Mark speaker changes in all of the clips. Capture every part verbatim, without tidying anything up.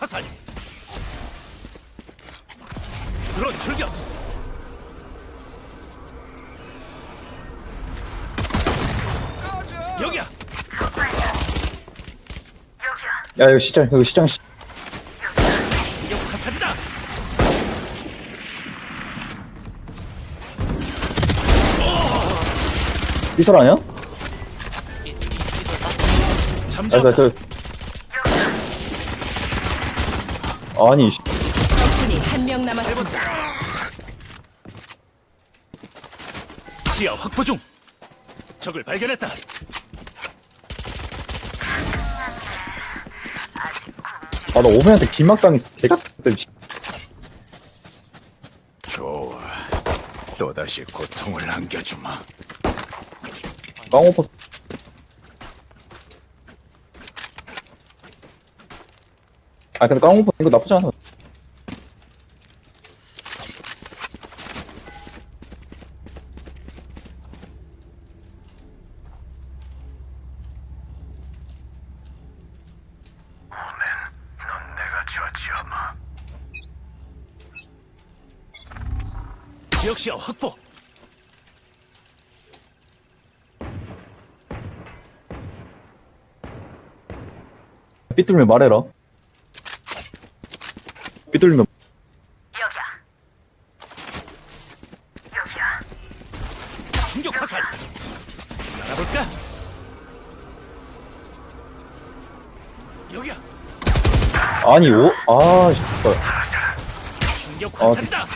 Speaker 1: 화살. 드론 출격. 여기야.
Speaker 2: 야 이거 시장 이거 시장 시...
Speaker 1: 충격 화살이다.
Speaker 2: 삐설 아니야?
Speaker 1: 잠자.
Speaker 2: 아니 나 저 아니 씨.
Speaker 3: 적군이 한 명
Speaker 1: 세
Speaker 3: 남았습니다.
Speaker 1: 번째. 시야 확보 중. 적을 발견했다.
Speaker 2: 아 나 오메한테 긴막당했어 개같은 씨.
Speaker 1: 좋아. 또다시 고통을 안겨주마.
Speaker 2: 깡오퍼 아 근데 깡오퍼 이거 나쁘지 않아.
Speaker 1: 넌 내가 저지어마. 지역 시야 확보.
Speaker 2: 삐뚤면 말해라. 삐뚤면
Speaker 3: 여기야. 여기야.
Speaker 1: 충격 화살. 날아볼까? 여기야.
Speaker 2: 아니 오? 아 씨.
Speaker 1: 충격 화살이다.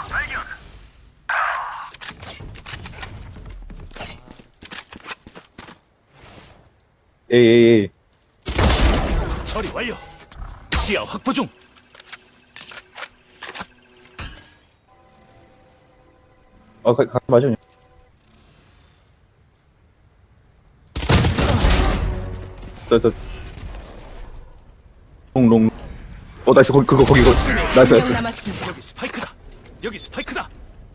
Speaker 2: 에이 에이 에이
Speaker 1: 처리 완료. 시야 확보 중.
Speaker 2: 아 가, 가 맞아. 저저 롱롱 어 나이스 거기 그거 거기 거기 나이스
Speaker 3: 한
Speaker 2: 나이스.
Speaker 3: 명 남았습니다.
Speaker 1: 여기 스파이크다. 여기 스파이크다.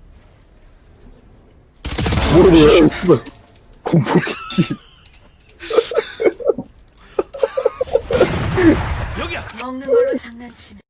Speaker 2: 모르겠어. 씨발 공포기지.
Speaker 1: 여기야.
Speaker 3: 먹는 걸로 장난치네.